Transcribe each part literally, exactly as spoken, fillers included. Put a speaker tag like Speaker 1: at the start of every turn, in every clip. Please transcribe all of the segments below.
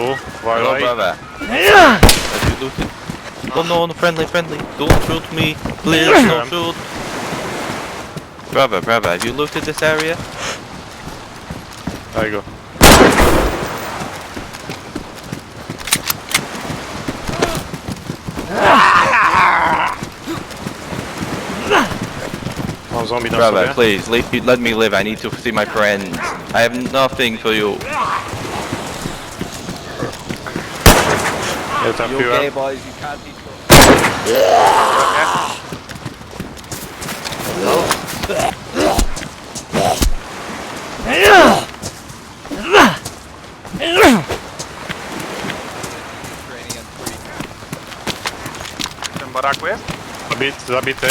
Speaker 1: tu,
Speaker 2: Hello,
Speaker 1: uważaj.
Speaker 2: brother. Have you looted? Oh no, no, friendly, friendly. Don't shoot me. Please, don't shoot. Brother, brother, have you looted this area?
Speaker 1: Daj go. Mam zombie na
Speaker 2: Brother,
Speaker 1: sobie.
Speaker 2: please, let me, let me live. I need to see my friends. I have nothing for you.
Speaker 1: Nie trafiłem.
Speaker 2: boys? You can't be
Speaker 3: W tym baraku jest?
Speaker 1: Zabity, zabity.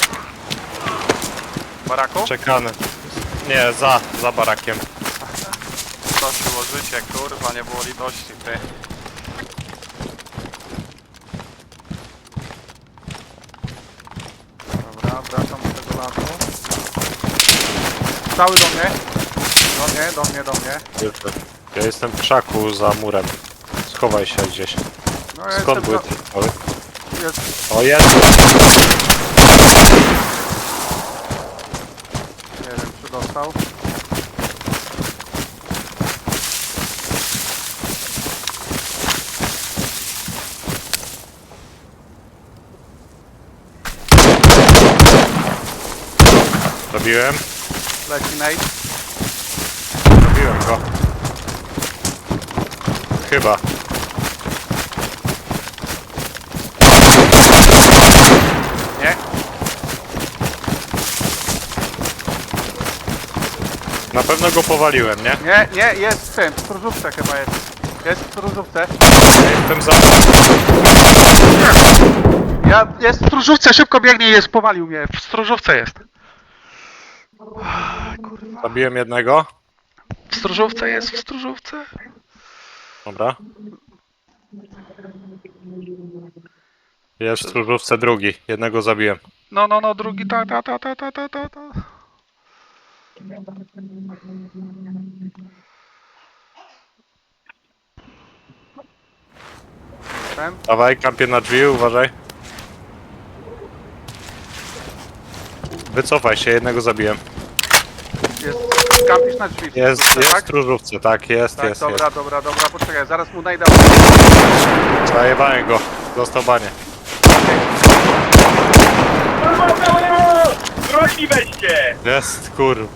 Speaker 3: W baraku?
Speaker 1: Czekany. Nie, za, za barakiem.
Speaker 3: Prosiło życie, kurwa, nie było litości, ty. Dobra, wracam do tego lasu. Cały do mnie. Do mnie, do mnie, do mnie.
Speaker 1: Jestem. Ja jestem w krzaku za murem. Schowaj się gdzieś.
Speaker 3: No ja
Speaker 1: Skąd były
Speaker 3: jestem
Speaker 1: te strzały?
Speaker 3: do... jest...
Speaker 1: O, jest!
Speaker 3: Nie wiem, czy dostał.
Speaker 1: Zabiłem.
Speaker 3: Leci nade.
Speaker 1: Zabiłem go. Chyba.
Speaker 3: Nie?
Speaker 1: Na pewno go powaliłem, nie?
Speaker 3: Nie, nie, jest w tym, w stróżówce chyba jest. Jest w stróżówce.
Speaker 1: Ja jestem za...
Speaker 3: Ja, jest w stróżówce, szybko biegnie i jest, powalił mnie. W stróżówce jest. Kurwa.
Speaker 1: Zabiłem jednego.
Speaker 3: W stróżówce jest, w stróżówce.
Speaker 1: Dobra. Jest w stróżówce drugi. Jednego zabiłem.
Speaker 3: No, no, no, drugi, ta, ta, ta, ta, ta, ta, ta, ta. Ten?
Speaker 1: Dawaj, kampię na drzwi, uważaj. Wycofaj się, jednego zabiłem.
Speaker 3: Jest, kampisz na drzwi. w
Speaker 1: Jest,
Speaker 3: stróżówce,
Speaker 1: jest w
Speaker 3: tak?
Speaker 1: stróżówce, tak, jest,
Speaker 3: Tak,
Speaker 1: jest,
Speaker 3: dobra,
Speaker 1: jest.
Speaker 3: dobra, dobra, poczekaj, zaraz mu najdę.
Speaker 1: Zajebałem go. Dostał banie.
Speaker 4: Broń weźcie!
Speaker 1: Jest, kur...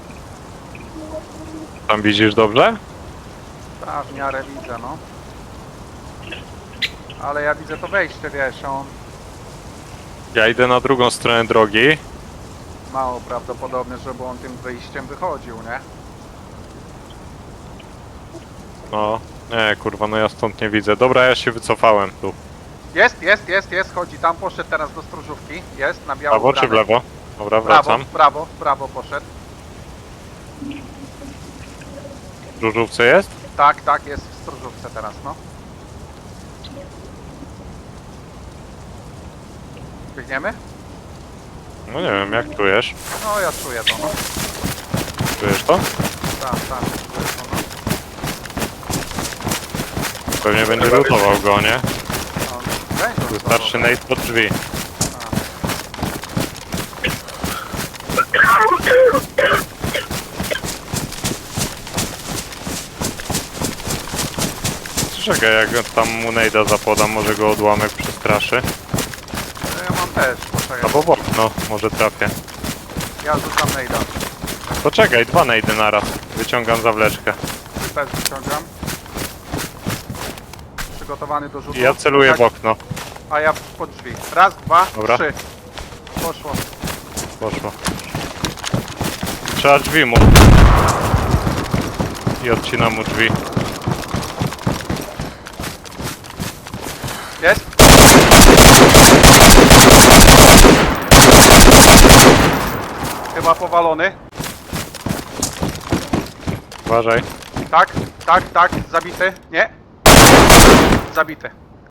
Speaker 1: Tam widzisz dobrze?
Speaker 3: Tak, w miarę widzę, no. Ale ja widzę to wejście, wiesz, on
Speaker 1: Ja idę na drugą stronę drogi.
Speaker 3: mało prawdopodobne, żeby on tym wyjściem wychodził, nie?
Speaker 1: No, nie, kurwa, no ja stąd nie widzę. Dobra, ja się wycofałem tu.
Speaker 3: Jest, jest, jest, jest, chodzi tam, poszedł teraz do stróżówki. Jest, na
Speaker 1: W
Speaker 3: biało
Speaker 1: prawo czy w
Speaker 3: ubrany.
Speaker 1: lewo? Dobra,
Speaker 3: Prawo,
Speaker 1: wracam.
Speaker 3: w prawo, w prawo poszedł.
Speaker 1: W stróżówce jest?
Speaker 3: Tak, tak, jest w stróżówce teraz, no. Biegniemy?
Speaker 1: No nie wiem, jak czujesz?
Speaker 3: No, ja czuję to, no.
Speaker 1: Czujesz to?
Speaker 3: Tak, tak, czuję to, no.
Speaker 1: Pewnie będzie lutował go, nie?
Speaker 3: no będzie
Speaker 1: Wystarczy
Speaker 3: to,
Speaker 1: nade pod drzwi. Czekaj, jak tam mu nade'a zapodam, może go odłamek przestraszy.
Speaker 3: no, ja mam też, poczekaj.
Speaker 1: Albo w okno, może trafię.
Speaker 3: Ja rzucam nejda.
Speaker 1: Poczekaj, dwa nade'y naraz. Wyciągam zawleczkę.
Speaker 3: Też wyciągam. Przygotowany do rzutu.
Speaker 1: I ja celuję w okno.
Speaker 3: A ja pod drzwi. Raz, dwa,
Speaker 1: Dobra.
Speaker 3: trzy. Poszło.
Speaker 1: Poszło. Trzeba drzwi mu. I odcinam mu drzwi.
Speaker 3: Jest? Chyba powalony.
Speaker 1: Uważaj.
Speaker 3: Tak, tak, tak. Zabity. Nie. Zabity.